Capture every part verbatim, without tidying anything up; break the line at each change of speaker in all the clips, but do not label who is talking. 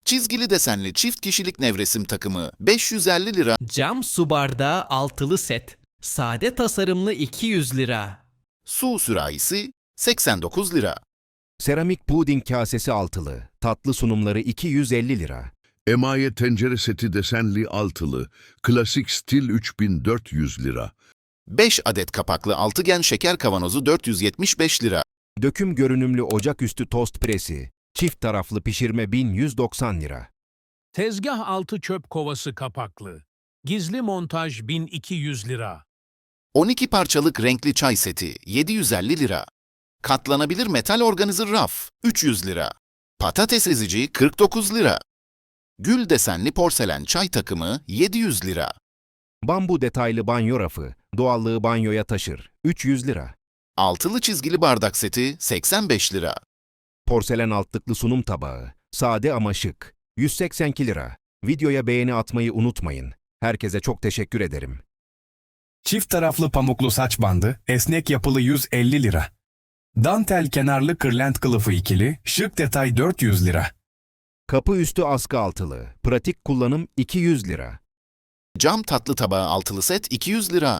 Çizgili desenli çift kişilik nevresim takımı beş yüz elli lira.
Cam su bardağı altılı set. Sade tasarımlı iki yüz lira.
Su sürahisi seksen dokuz lira.
Seramik puding kasesi altılı, tatlı sunumları iki yüz elli lira.
Emaye tencere seti desenli altılı, klasik stil üç bin dört yüz lira.
beş adet kapaklı altıgen şeker kavanozu dört yüz yetmiş beş lira.
Döküm görünümlü ocaküstü tost presi, çift taraflı pişirme bin yüz doksan lira.
Tezgah altı çöp kovası kapaklı. Gizli montaj bin iki yüz lira.
on iki parçalık renkli çay seti yedi yüz elli lira. Katlanabilir metal organizer raf üç yüz lira. Patates ezici kırk dokuz lira. Gül desenli porselen çay takımı yedi yüz lira.
Bambu detaylı banyo rafı, doğallığı banyoya taşır, üç yüz lira.
Altılı çizgili bardak seti seksen beş lira.
Porselen altlıklı sunum tabağı, sade ama şık, yüz seksen iki lira. Videoya beğeni atmayı unutmayın. Herkese çok teşekkür ederim.
Çift taraflı pamuklu saç bandı, esnek yapılı yüz elli lira. Dantel kenarlı kırlent kılıfı ikili, şık detay dört yüz lira.
Kapı üstü askı altılı, pratik kullanım iki yüz lira.
Cam tatlı tabağı altılı set iki yüz lira.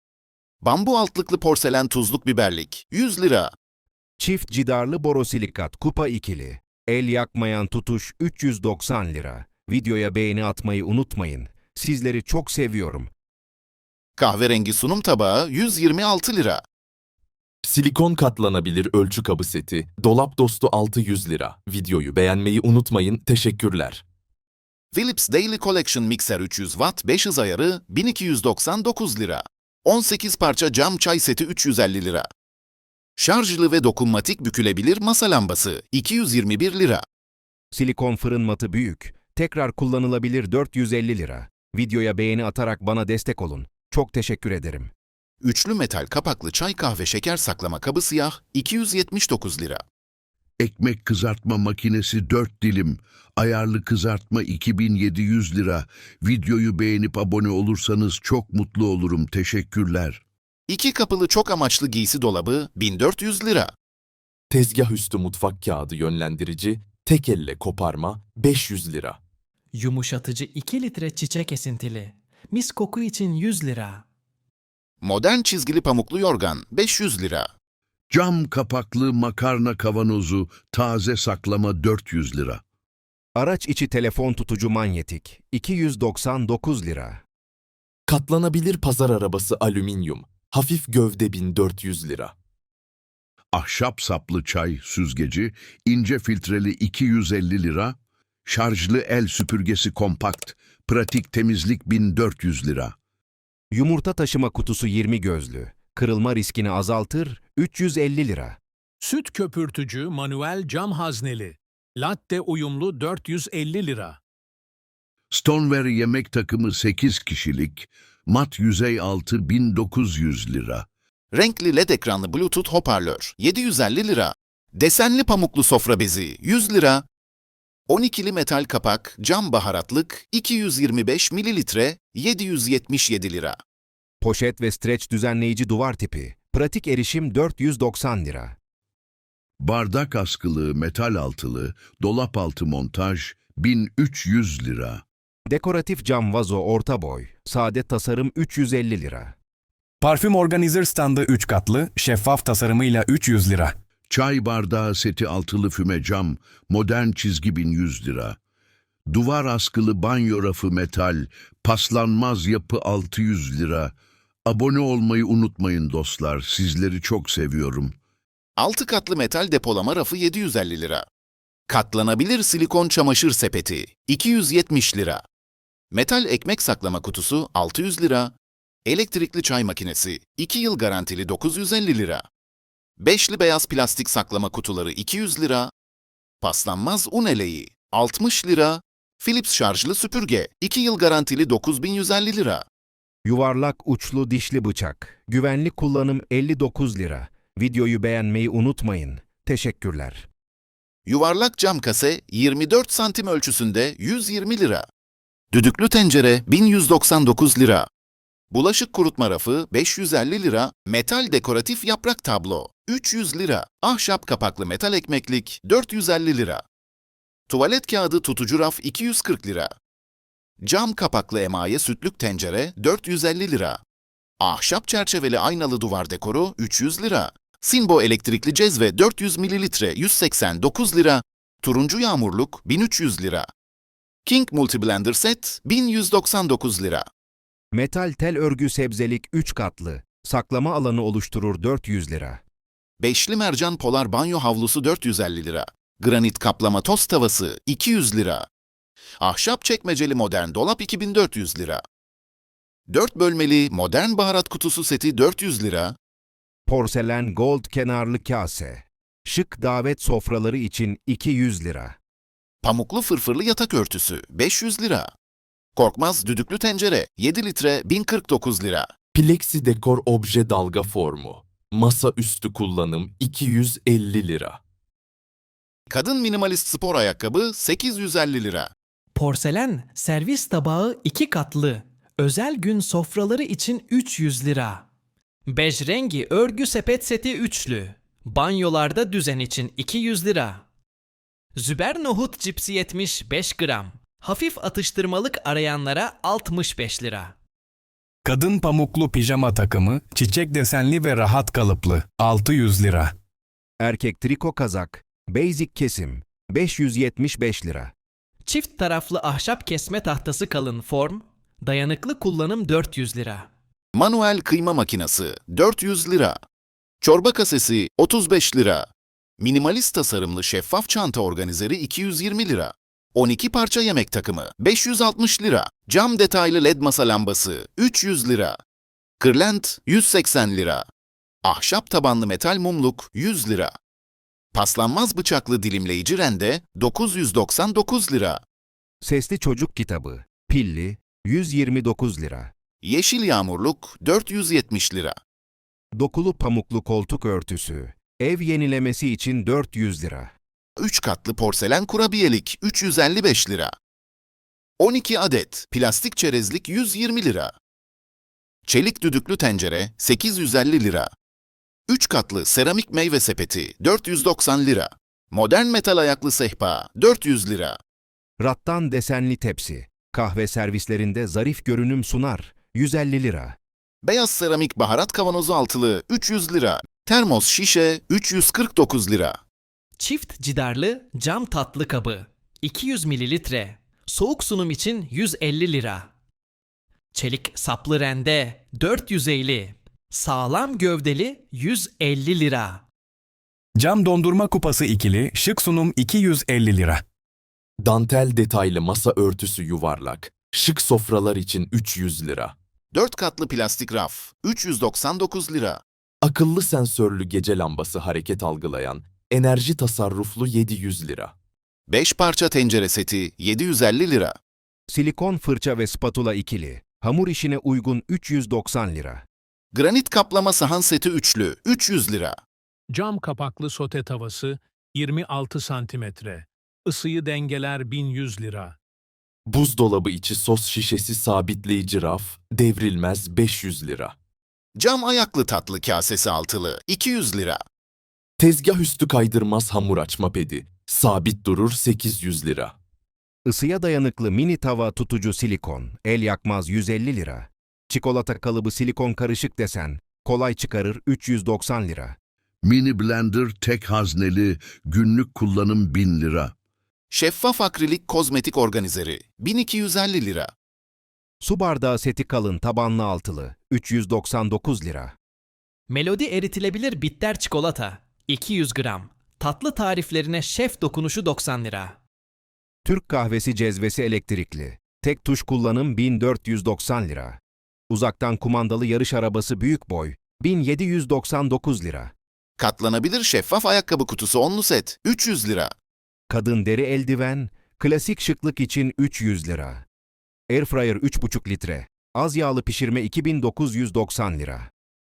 Bambu altlıklı porselen tuzluk biberlik yüz lira.
Çift cidarlı borosilikat kupa ikili, el yakmayan tutuş üç yüz doksan lira. Videoya beğeni atmayı unutmayın. Sizleri çok seviyorum.
Kahverengi sunum tabağı yüz yirmi altı lira.
Silikon katlanabilir ölçü kabı seti, dolap dostu altı yüz lira. Videoyu beğenmeyi unutmayın, teşekkürler.
Philips Daily Collection mikser üç yüz watt beş hız ayarı bin iki yüz doksan dokuz lira. on sekiz parça cam çay seti üç yüz elli lira. Şarjlı ve dokunmatik bükülebilir masa lambası iki yüz yirmi bir lira.
Silikon fırın matı büyük, tekrar kullanılabilir dört yüz elli lira. Videoya beğeni atarak bana destek olun. Çok teşekkür ederim.
Üçlü metal kapaklı çay kahve şeker saklama kabı siyah iki yüz yetmiş dokuz lira.
Ekmek kızartma makinesi dört dilim, ayarlı kızartma iki bin yedi yüz lira. Videoyu beğenip abone olursanız çok mutlu olurum. Teşekkürler.
İki kapılı çok amaçlı giysi dolabı bin dört yüz lira.
Tezgah üstü mutfak kağıdı yönlendirici, tek elle koparma beş yüz lira.
Yumuşatıcı iki litre çiçek esintili. Mis koku için yüz lira.
Modern çizgili pamuklu yorgan beş yüz lira.
Cam kapaklı makarna kavanozu taze saklama dört yüz lira.
Araç içi telefon tutucu manyetik iki yüz doksan dokuz lira.
Katlanabilir pazar arabası alüminyum, hafif gövde bin dört yüz lira.
Ahşap saplı çay süzgeci ince filtreli iki yüz elli lira. Şarjlı el süpürgesi kompakt, pratik temizlik bin dört yüz lira.
Yumurta taşıma kutusu yirmi gözlü, kırılma riskini azaltır üç yüz elli lira.
Süt köpürtücü manuel cam hazneli. Latte uyumlu dört yüz elli lira.
Stoneware yemek takımı sekiz kişilik, mat yüzey altı bin dokuz yüz lira.
Renkli led ekranlı Bluetooth hoparlör yedi yüz elli lira. Desenli pamuklu sofra bezi yüz lira. on ikili metal kapak cam baharatlık iki yüz yirmi beş mililitre yedi yüz yetmiş yedi lira.
Poşet ve streç düzenleyici duvar tipi, pratik erişim dört yüz doksan lira.
Bardak askılı metal altılı, dolap altı montaj bin üç yüz lira.
Dekoratif cam vazo orta boy, sade tasarım üç yüz elli lira.
Parfüm organizer standı üç katlı, şeffaf tasarımıyla üç yüz lira.
Çay bardağı seti altılı füme cam, modern çizgi bin yüz lira. Duvar askılı banyo rafı metal, paslanmaz yapı altı yüz lira. Abone olmayı unutmayın dostlar, sizleri çok seviyorum.
altı katlı metal depolama rafı yedi yüz elli lira. Katlanabilir silikon çamaşır sepeti iki yüz yetmiş lira. Metal ekmek saklama kutusu altı yüz lira. Elektrikli çay makinesi iki yıl garantili dokuz yüz elli lira. Beşli beyaz plastik saklama kutuları iki yüz lira. Paslanmaz un eleği altmış lira. Philips şarjlı süpürge iki yıl garantili dokuz bin yüz elli lira.
Yuvarlak uçlu dişli bıçak, güvenli kullanım elli dokuz lira. Videoyu beğenmeyi unutmayın. Teşekkürler.
Yuvarlak cam kase yirmi dört santim ölçüsünde yüz yirmi lira. Düdüklü tencere bin yüz doksan dokuz lira. Bulaşık kurutma rafı beş yüz elli lira. Metal dekoratif yaprak tablo üç yüz lira. Ahşap kapaklı metal ekmeklik dört yüz elli lira. Tuvalet kağıdı tutucu raf iki yüz kırk lira. Cam kapaklı emaye sütlük tencere dört yüz elli lira. Ahşap çerçeveli aynalı duvar dekoru üç yüz lira. Sinbo elektrikli cezve dört yüz mililitre yüz seksen dokuz lira. Turuncu yağmurluk bin üç yüz lira. King Multiblender Set bin yüz doksan dokuz lira.
Metal tel örgü sebzelik üç katlı. Saklama alanı oluşturur dört yüz lira.
Beşli mercan polar banyo havlusu dört yüz elli lira. Granit kaplama tost tavası iki yüz lira. Ahşap çekmeceli modern dolap iki bin dört yüz lira. dört bölmeli modern baharat kutusu seti dört yüz lira.
Porselen gold kenarlı kase. Şık davet sofraları için iki yüz lira.
Pamuklu fırfırlı yatak örtüsü beş yüz lira. Korkmaz düdüklü tencere yedi litre bin kırk dokuz lira.
Plexi dekor obje dalga formu. Masa üstü kullanım iki yüz elli lira.
Kadın minimalist spor ayakkabı sekiz yüz elli lira.
Porselen servis tabağı iki katlı. Özel gün sofraları için üç yüz lira. Bej rengi örgü sepet seti üçlü. Banyolarda düzen için iki yüz lira. Züber nohut cipsi yetmiş beş gram. Hafif atıştırmalık arayanlara altmış beş lira.
Kadın pamuklu pijama takımı, çiçek desenli ve rahat kalıplı, altı yüz lira.
Erkek triko kazak. Basic kesim. beş yüz yetmiş beş lira.
Çift taraflı ahşap kesme tahtası kalın form. Dayanıklı kullanım dört yüz lira.
Manuel kıyma makinesi dört yüz lira. Çorba kasesi otuz beş lira. Minimalist tasarımlı şeffaf çanta organizeri iki yüz yirmi lira. on iki parça yemek takımı beş yüz altmış lira. Cam detaylı led masa lambası üç yüz lira. Kırlent yüz seksen lira. Ahşap tabanlı metal mumluk yüz lira. Paslanmaz bıçaklı dilimleyici rende dokuz yüz doksan dokuz lira.
Sesli çocuk kitabı. Pilli. yüz yirmi dokuz lira.
Yeşil yağmurluk dört yüz yetmiş lira.
Dokulu pamuklu koltuk örtüsü. Ev yenilemesi için dört yüz lira.
üç katlı porselen kurabiyelik üç yüz elli beş lira. on iki adet plastik çerezlik yüz yirmi lira. Çelik düdüklü tencere sekiz yüz elli lira. üç katlı seramik meyve sepeti dört yüz doksan lira. Modern metal ayaklı sehpa dört yüz lira.
Rattan desenli tepsi. Kahve servislerinde zarif görünüm sunar. yüz elli lira.
Beyaz seramik baharat kavanozu altılı üç yüz lira. Termos şişe üç yüz kırk dokuz lira.
Çift cidarlı cam tatlı kabı iki yüz mililitre. Soğuk sunum için yüz elli lira. Çelik saplı rende dört yüz elli. Sağlam gövdeli yüz elli lira.
Cam dondurma kupası ikili, şık sunum iki yüz elli lira.
Dantel detaylı masa örtüsü yuvarlak. Şık sofralar için üç yüz lira.
dört katlı plastik raf üç yüz doksan dokuz lira.
Akıllı sensörlü gece lambası hareket algılayan, enerji tasarruflu yedi yüz lira.
beş parça tencere seti yedi yüz elli lira.
Silikon fırça ve spatula ikili. Hamur işine uygun üç yüz doksan lira.
Granit kaplama sahan seti üçlü üç yüz lira.
Cam kapaklı sote tavası yirmi altı santimetre. Isıyı dengeler bin yüz lira.
Buzdolabı içi sos şişesi sabitleyici raf, devrilmez beş yüz lira.
Cam ayaklı tatlı kasesi altılı iki yüz lira.
Tezgah üstü kaydırmaz hamur açma pedi, sabit durur sekiz yüz lira.
Isıya dayanıklı mini tava tutucu silikon. El yakmaz yüz elli lira. Çikolata kalıbı silikon karışık desen. Kolay çıkarır üç yüz doksan lira.
Mini blender tek hazneli, günlük kullanım bin lira.
Şeffaf akrilik kozmetik organizeri bin iki yüz elli lira.
Su bardağı seti kalın tabanlı altılı. üç yüz doksan dokuz lira.
Melodi eritilebilir bitter çikolata iki yüz gram. Tatlı tariflerine şef dokunuşu doksan lira.
Türk kahvesi cezvesi elektrikli. Tek tuş kullanım bin dört yüz doksan lira. Uzaktan kumandalı yarış arabası büyük boy. bin yedi yüz doksan dokuz lira.
Katlanabilir şeffaf ayakkabı kutusu onlu set üç yüz lira.
Kadın deri eldiven, klasik şıklık için üç yüz lira. Airfryer üç buçuk litre. Az yağlı pişirme iki bin dokuz yüz doksan lira.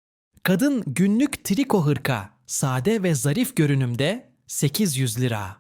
Kadın günlük triko hırka sade ve zarif görünümde sekiz yüz lira.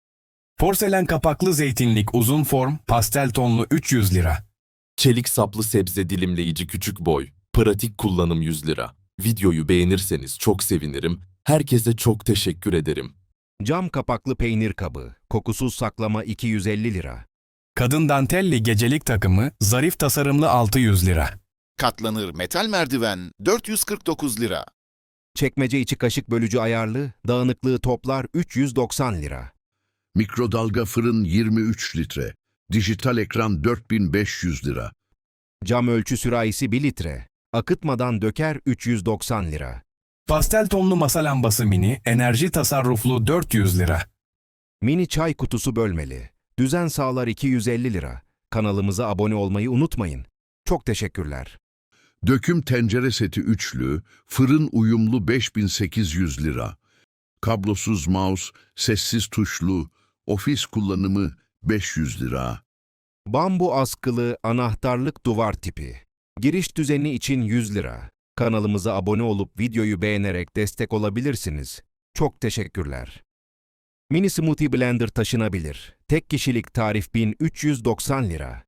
Porselen kapaklı zeytinlik uzun form, pastel tonlu üç yüz lira.
Çelik saplı sebze dilimleyici küçük boy, pratik kullanım yüz lira. Videoyu beğenirseniz çok sevinirim. Herkese çok teşekkür ederim.
Cam kapaklı peynir kabı, kokusuz saklama iki yüz elli lira.
Kadın dantelli gecelik takımı, zarif tasarımlı altı yüz lira.
Katlanır metal merdiven dört yüz kırk dokuz lira.
Çekmece içi kaşık bölücü ayarlı, dağınıklığı toplar üç yüz doksan lira.
Mikrodalga fırın yirmi üç litre. Dijital ekran dört bin beş yüz lira.
Cam ölçü sürahisi bir litre, akıtmadan döker üç yüz doksan lira.
Pastel tonlu masa lambası mini, enerji tasarruflu dört yüz lira.
Mini çay kutusu bölmeli, düzen sağlar iki yüz elli lira. Kanalımıza abone olmayı unutmayın. Çok teşekkürler.
Döküm tencere seti üçlü, fırın uyumlu beş bin sekiz yüz lira. Kablosuz mouse, sessiz tuşlu, ofis kullanımı beş yüz lira.
Bambu askılı anahtarlık duvar tipi. Giriş düzeni için yüz lira. Kanalımıza abone olup videoyu beğenerek destek olabilirsiniz. Çok teşekkürler. Mini Smoothie Blender taşınabilir. Tek kişilik tarif bin üç yüz doksan lira.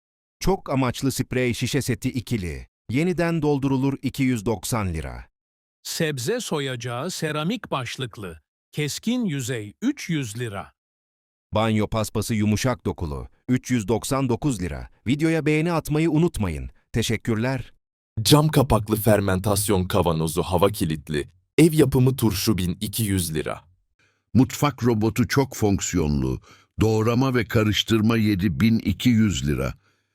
Çok amaçlı sprey şişe seti ikili. Yeniden doldurulur iki yüz doksan lira.
Sebze soyacağı seramik başlıklı. Keskin yüzey üç yüz lira.
Banyo paspası yumuşak dokulu. üç yüz doksan dokuz lira. Videoya beğeni atmayı unutmayın. Teşekkürler.
Cam kapaklı fermentasyon kavanozu hava kilitli. Ev yapımı turşu bin iki yüz lira.
Mutfak robotu çok fonksiyonlu. Doğrama ve karıştırma yedi bin iki yüz lira.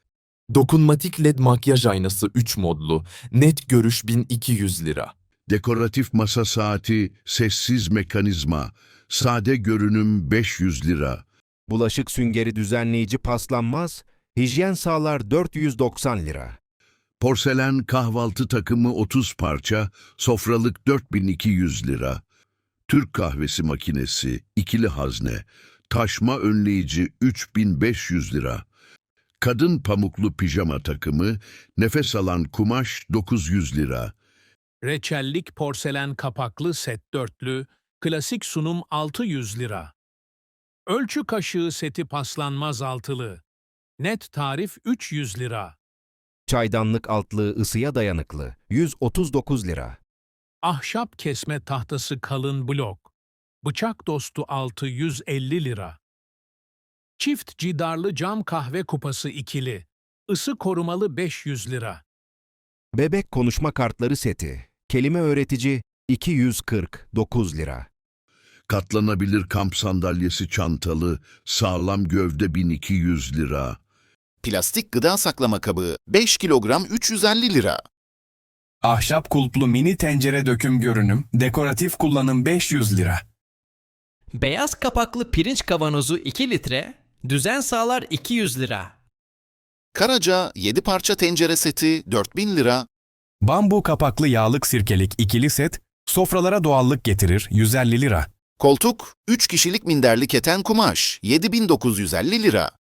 Dokunmatik led makyaj aynası üç modlu. Net görüş bin iki yüz lira.
Dekoratif masa saati, sessiz mekanizma. Sade görünüm beş yüz lira.
Bulaşık süngeri düzenleyici paslanmaz. Hijyen sağlar dört yüz doksan lira.
Porselen kahvaltı takımı otuz parça, sofralık dört bin iki yüz lira. Türk kahvesi makinesi, ikili hazne, taşma önleyici üç bin beş yüz lira. Kadın pamuklu pijama takımı, nefes alan kumaş dokuz yüz lira.
Reçellik porselen kapaklı set dörtlü, klasik sunum altı yüz lira. Ölçü kaşığı seti paslanmaz altılı. Net tarif üç yüz lira.
Çaydanlık altlığı ısıya dayanıklı. yüz otuz dokuz lira.
Ahşap kesme tahtası kalın blok. Bıçak dostu altı yüz elli lira. Çift cidarlı cam kahve kupası ikili. Isı korumalı beş yüz lira.
Bebek konuşma kartları seti. Kelime öğretici iki yüz kırk dokuz lira.
Katlanabilir kamp sandalyesi çantalı, sağlam gövde bin iki yüz lira.
Plastik gıda saklama kabı beş kilogram üç yüz elli lira.
Ahşap kulplu mini tencere döküm görünüm, dekoratif kullanım beş yüz lira.
Beyaz kapaklı pirinç kavanozu iki litre, düzen sağlar iki yüz lira.
Karaca yedi parça tencere seti dört bin lira.
Bambu kapaklı yağlık sirkelik ikili set, sofralara doğallık getirir yüz elli lira.
Koltuk üç kişilik minderli keten kumaş yedi bin dokuz yüz elli lira.